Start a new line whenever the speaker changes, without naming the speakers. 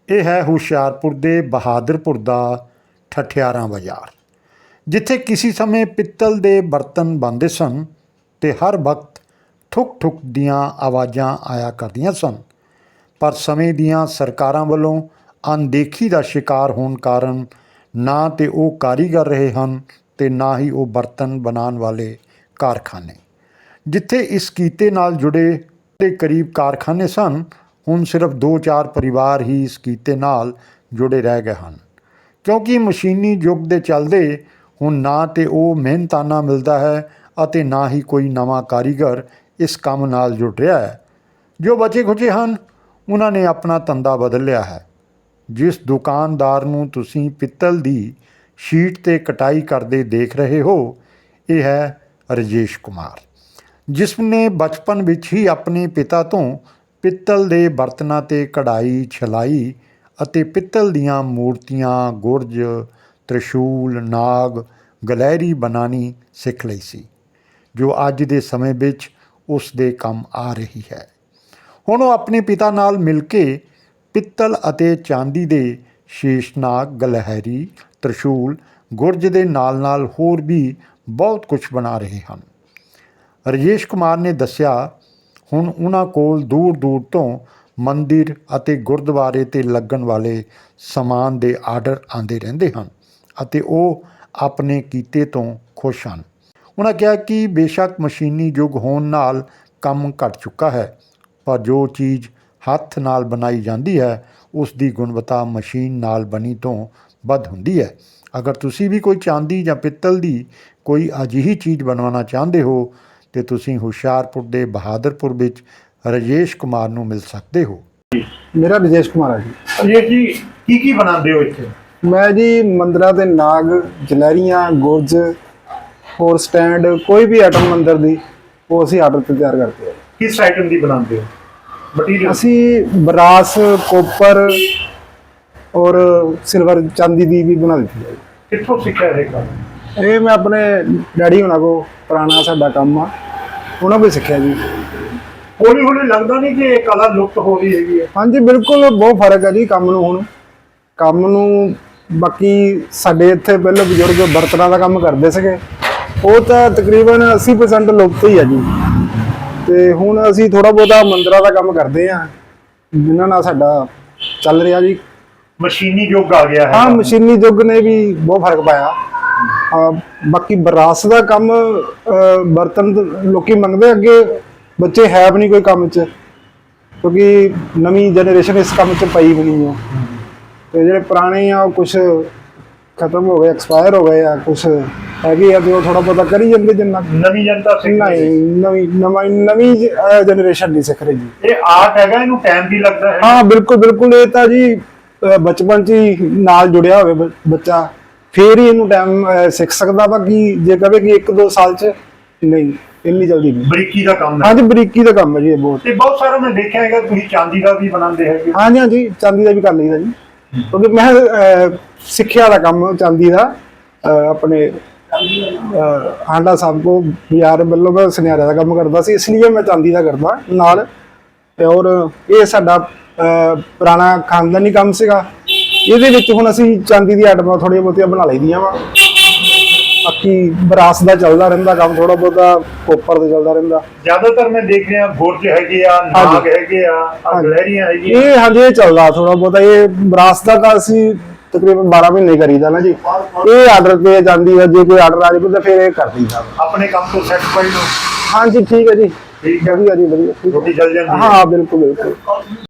ਇਹ ਹੈ ਹੁਸ਼ਿਆਰਪੁਰ ਦੇ ਬਹਾਦਰਪੁਰ ਦਾ ਠਠਿਆਰਾਂ ਬਾਜ਼ਾਰ, ਜਿੱਥੇ ਕਿਸੇ ਸਮੇਂ ਪਿੱਤਲ ਦੇ ਬਰਤਨ ਬਣਦੇ ਸਨ ਤੇ ਹਰ ਵਕਤ ਠੁਕ ਠੁਕ ਦੀਆਂ ਆਵਾਜ਼ਾਂ ਆਇਆ ਕਰਦੀਆਂ ਸਨ। ਪਰ ਸਮੇਂ ਦੀਆਂ ਸਰਕਾਰਾਂ ਵੱਲੋਂ ਅਣਦੇਖੀ ਦਾ ਸ਼ਿਕਾਰ ਹੋਣ ਕਾਰਨ ਨਾ ਤੇ ਉਹ ਕਾਰੀਗਰ ਰਹੇ ਹਨ ਤੇ ਨਾ ਹੀ ਉਹ ਬਰਤਨ ਬਣਾਉਣ ਵਾਲੇ ਕਾਰਖਾਨੇ। ਜਿੱਥੇ ਇਸ ਕੀਤੇ ਨਾਲ ਜੁੜੇ ਦੇ ਕਰੀਬ ਕਾਰਖਾਨੇ ਸਨ, ਹੁਣ ਸਿਰਫ 2-4 ਪਰਿਵਾਰ ਹੀ ਇਸ ਕੀਤੇ ਨਾਲ ਜੁੜੇ ਰਹਿ ਗਏ ਹਨ, ਕਿਉਂਕਿ ਮਸ਼ੀਨੀ ਯੁੱਗ ਦੇ ਚੱਲਦੇ ਹੁਣ ਨਾ ਤੇ ਉਹ ਮਿਹਨਤਾਨਾ ਮਿਲਦਾ ਹੈ ਅਤੇ ਨਾ ਹੀ ਕੋਈ ਨਵਾਂ ਕਾਰੀਗਰ ਇਸ ਕੰਮ ਨਾਲ ਜੁੜ ਰਿਹਾ ਹੈ। ਜੋ ਬਚੇ ਖੁਚੇ ਹਨ ਉਹਨਾਂ ਨੇ ਆਪਣਾ ਧੰਦਾ ਬਦਲ ਲਿਆ ਹੈ। ਜਿਸ ਦੁਕਾਨਦਾਰ ਨੂੰ ਤੁਸੀਂ ਪਿੱਤਲ ਦੀ ਸ਼ੀਟ 'ਤੇ ਕਟਾਈ ਕਰਦੇ ਦੇਖ ਰਹੇ ਹੋ, ਇਹ ਹੈ ਰਾਜੇਸ਼ ਕੁਮਾਰ, ਜਿਸ ਨੇ ਬਚਪਨ ਵਿੱਚ ਹੀ ਆਪਣੇ ਪਿਤਾ ਤੋਂ ਪਿੱਤਲ ਦੇ ਬਰਤਨਾਂ 'ਤੇ ਕਢਾਈ, ਛਲਾਈ ਅਤੇ ਪਿੱਤਲ ਦੀਆਂ ਮੂਰਤੀਆਂ, ਗੁਰਜ, ਤ੍ਰਿਸ਼ੂਲ, ਨਾਗ, ਗਲਹਿਰੀ ਬਣਾਉਣੀ ਸਿੱਖ ਲਈ ਸੀ, ਜੋ ਅੱਜ ਦੇ ਸਮੇਂ ਵਿੱਚ ਉਸ ਦੇ ਕੰਮ ਆ ਰਹੀ ਹੈ। ਹੁਣ ਉਹ ਆਪਣੇ ਪਿਤਾ ਨਾਲ ਮਿਲ ਕੇ ਪਿੱਤਲ ਅਤੇ ਚਾਂਦੀ ਦੇ ਸ਼ੇਸ਼ਨਾਗ, ਗਲਹਿਰੀ, ਤ੍ਰਿਸ਼ੂਲ, ਗੁਰਜ ਦੇ ਨਾਲ ਹੋਰ ਵੀ ਬਹੁਤ ਕੁਝ ਬਣਾ ਰਹੇ ਹਨ। ਰਾਜੇਸ਼ ਕੁਮਾਰ ਨੇ ਦੱਸਿਆ, ਹੁਣ ਉਹਨਾਂ ਕੋਲ ਦੂਰ ਦੂਰ ਤੋਂ ਮੰਦਿਰ ਅਤੇ ਗੁਰਦੁਆਰੇ 'ਤੇ ਲੱਗਣ ਵਾਲੇ ਸਮਾਨ ਦੇ ਆਰਡਰ ਆਉਂਦੇ ਰਹਿੰਦੇ ਹਨ ਅਤੇ ਉਹ ਆਪਣੇ ਕੀਤੇ ਤੋਂ ਖੁਸ਼ ਹਨ। ਉਹਨਾਂ ਕਿਹਾ ਕਿ ਬੇਸ਼ੱਕ ਮਸ਼ੀਨੀ ਯੁੱਗ ਹੋਣ ਨਾਲ ਕੰਮ ਘੱਟ ਚੁੱਕਾ ਹੈ, ਪਰ ਜੋ ਚੀਜ਼ ਹੱਥ ਨਾਲ ਬਣਾਈ ਜਾਂਦੀ ਹੈ ਉਸ ਦੀ ਗੁਣਵੱਤਾ ਮਸ਼ੀਨ ਨਾਲ ਬਣੀ ਤੋਂ ਵੱਧ ਹੁੰਦੀ ਹੈ। ਅਗਰ ਤੁਸੀਂ ਵੀ ਕੋਈ ਚਾਂਦੀ ਜਾਂ ਪਿੱਤਲ ਦੀ ਕੋਈ ਅਜਿਹੀ ਚੀਜ਼ ਬਣਵਾਉਣਾ ਚਾਹੁੰਦੇ ਹੋ ਤੇ ਤੁਸੀਂ ਹੁਸ਼ਿਆਰਪੁਰ ਦੇ ਬਹਾਦਰਪੁਰ ਵਿੱਚ ਰਾਜੇਸ਼ ਕੁਮਾਰ ਨੂੰ ਮਿਲ ਸਕਦੇ ਹੋ।
ਮੇਰਾ ਰਾਜੇਸ਼ ਕੁਮਾਰ ਹੈ ਜੀ।
ਰਾਜੇਸ਼ ਜੀ, ਕੀ ਬਣਾਉਂਦੇ ਹੋ ਇੱਥੇ?
ਮੈਂ ਜੀ ਮੰਦਰਾਂ ਦੇ ਨਾਗ, ਜਲੈਰੀਆਂ, ਗੁਰਜ, ਹੋਰ ਸਟੈਂਡ, ਕੋਈ ਵੀ ਆਈਟਮ ਮੰਦਰ ਦੀ ਉਹ ਅਸੀਂ ਆਰਡਰ 'ਤੇ ਤਿਆਰ ਕਰਦੇ ਹਾਂ।
ਕਿਸ ਆਈਟਮ ਦੀ ਬਣਾਉਂਦੇ ਹੋ ਮਟੀਰੀਅਲ?
ਅਸੀਂ ਬਰਾਸ, ਕੋਪਰ ਔਰ ਸਿਲਵਰ, ਚਾਂਦੀ ਦੀ ਵੀ ਬਣਾ ਦਿੱਤੀ ਹੈ।
ਕਿੱਥੋਂ ਸਿੱਖਿਆ ਇਹ ਕੰਮ?
ਇਹ ਮੈਂ ਆਪਣੇ ਡੈਡੀ ਹੁਣਾਂ ਕੋਲ, ਪੁਰਾਣਾ ਸਾਡਾ ਕੰਮ ਆ, ਉਹਨਾਂ ਕੋਲ ਸਿੱਖਿਆ ਜੀ।
ਹੌਲੀ ਹੌਲੀ ਲੱਗਦਾ ਨਹੀਂ ਕਿ ਇਹ ਕਲਾ ਲੁਪਤ ਹੋ ਰਹੀ ਹੈਗੀ ਹੈ?
ਹਾਂਜੀ ਬਿਲਕੁਲ, ਬਹੁਤ ਫਰਕ ਹੈ ਜੀ ਕੰਮ ਨੂੰ। ਹੁਣ ਕੰਮ ਨੂੰ ਬਾਕੀ ਸਾਡੇ ਇੱਥੇ ਪਹਿਲਾਂ ਬਜ਼ੁਰਗ ਬਰਤਨਾਂ ਦਾ ਕੰਮ ਕਰਦੇ ਸੀਗੇ, ਉਹ ਤਾਂ ਤਕਰੀਬਨ 80% ਲੁਪਤ ਹੀ ਹੈ ਜੀ। ਤੇ ਹੁਣ ਅਸੀਂ ਥੋੜਾ ਬਹੁਤਾ ਮੰਦਰਾਂ ਦਾ ਕੰਮ ਕਰਦੇ ਹਾਂ, ਜਿਨ੍ਹਾਂ ਨਾਲ ਸਾਡਾ ਚੱਲ ਰਿਹਾ ਜੀ।
ਮਸ਼ੀਨੀ ਯੁੱਗ ਆ ਗਿਆ ਹੈ।
ਹਾਂ, ਮਸ਼ੀਨੀ ਯੁੱਗ ਨੇ ਵੀ ਬਹੁਤ ਫਰਕ ਪਾਇਆ। ਬਾਕੀ ਬਰਾਸ ਦਾ ਕੰਮ, ਬਰਤਨ ਲੋਕੀ ਮੰਗਦੇ, ਅੱਗੇ ਬੱਚੇ ਹੈ ਵੀ ਨਹੀਂ ਕੋਈ ਕੰਮ 'ਚ, ਕਿਉਂਕਿ ਨਵੀਂ ਜਨਰੇਸ਼ਨ ਇਸ ਕੰਮ 'ਚ ਪਈ ਵੀ ਨਹੀਂ ਹੈ। ਤੇ ਜਿਹੜੇ ਪੁਰਾਣੇ ਆ ਉਹ ਕੁਛ ਖਤਮ ਹੋ ਗਏ, ਐਕਸਪਾਇਰ ਹੋ ਗਏ ਆ, ਕੁਛ ਹੈਗੇ ਆ ਤੇ ਉਹ ਥੋੜਾ ਬਹੁਤਾ ਕਰੀ ਜਾਂਦੇ। ਜਿੰਨਾ
ਨਵੀਂ ਜਨਤਾ
ਨਵੀਂ ਜਨਰੇਸ਼ਨ ਨਹੀਂ ਸਿੱਖ ਰਹੀ ਜੀ।
ਇਹ ਆਰਟ ਹੈਗਾ, ਇਹਨੂੰ ਟਾਈਮ ਵੀ ਲੱਗਦਾ ਹੈ।
ਹਾਂ ਬਿਲਕੁਲ, ਇਹ ਤਾਂ ਜੀ ਬਚਪਨ 'ਚ ਹੀ ਨਾਲ ਜੁੜਿਆ ਹੋਵੇ ਬੱਚਾ, ਫੇਰ ਹੀ ਇਹਨੂੰ ਟਾਈਮ ਸਿੱਖ ਸਕਦਾ। ਬਾਕੀ ਜੇ ਕਹੇ ਕਿ 1-2 ਸਾਲ 'ਚ ਨਹੀਂ, ਇੰਨੀ ਜਲਦੀ ਨਹੀਂ।
ਬਰੀਕੀ ਦਾ ਕੰਮ ਹੈ।
ਹਾਂਜੀ, ਬਰੀਕੀ ਦਾ ਕੰਮ ਹੈ ਜੀ ਇਹ ਬਹੁਤ।
ਤੇ ਬਹੁਤ ਸਾਰਾ ਮੈਂ ਦੇਖਿਆ ਹੈਗਾ ਤੁਸੀਂ ਚਾਂਦੀ ਦਾ ਵੀ ਬਣਾਉਂਦੇ ਹੈਗੇ।
ਹਾਂਜੀ, ਚਾਂਦੀ ਦਾ ਵੀ ਕਰ ਲਈਦਾ ਜੀ, ਕਿਉਂਕਿ ਮੈਂ ਸਿੱਖਿਆ ਦਾ ਕੰਮ ਚਾਂਦੀ ਦਾ ਆਪਣੇ ਹਾਂਡਾ ਸਾਹਿਬ ਕੋ ਬਾਜ਼ਾਰ ਵੱਲੋਂ ਮੈਂ ਸੁਨਿਆਰੇ ਦਾ ਕੰਮ ਕਰਦਾ ਸੀ, ਇਸ ਲਈ ਮੈਂ ਚਾਂਦੀ ਦਾ ਕਰਦਾ ਨਾਲ। ਔਰ ਇਹ ਸਾਡਾ ਪੁਰਾਣਾ ਖਾਨਦਾਨੀ ਕੰਮ ਸੀਗਾ। ਇਹਦੇ ਵਿੱਚ ਹੁਣ ਅਸੀਂ ਚਾਂਦੀ ਦੀ ਆਈਟਮਾਂ ਥੋੜ੍ਹੀਆਂ ਬਹੁਤੀਆਂ ਬਣਾ ਲਈਆਂ ਵਾ। ਬਾਕੀ ਬਰਾਸ ਦਾ ਚੱਲਦਾ ਰਹਿੰਦਾ ਕੰਮ, ਥੋੜਾ ਬਹੁਤਾ ਕੋਪਰ ਦਾ ਚੱਲਦਾ ਰਹਿੰਦਾ।
ਜ਼ਿਆਦਾਤਰ ਮੈਂ ਦੇਖ ਰਿਹਾ ਗੁਰਜ ਹੈਗੇ ਆ, ਨਾਗ ਹੈਗੇ ਆ, ਗਲਹਿਰੀਆਂ ਹੈਗੀਆਂ।
ਇਹ ਹਾਂਜੀ ਇਹ ਚੱਲਦਾ ਥੋੜਾ ਬਹੁਤਾ। ਇਹ ਬਰਾਸ ਦਾ ਤਾਂ ਅਸੀਂ ਤਕਰੀਬਨ 12 ਮਹੀਨੇ ਕਰੀਦਾ ਨਾ ਜੀ। ਇਹ ਆਰਡਰ ਤੇ ਜਾਂਦੀ ਹੈ, ਜੇ ਕੋਈ ਆਰਡਰ ਆ ਜਾਵੇ ਤਾਂ ਫਿਰ ਇਹ ਕਰ ਦਈਦਾ।
ਆਪਣੇ ਕੰਮ ਤੋਂ ਸੈਟੀਸਫਾਈਡ ਹੋ?
ਹਾਂਜੀ ਠੀਕ ਹੈ ਜੀ,
ਠੀਕ ਹੈ
ਵਧੀਆ ਜੀ, ਵਧੀਆ।
ਰੋਟੀ ਚੱਲ ਜਾਂਦੀ ਹੈ?
ਹਾਂ ਬਿਲਕੁਲ।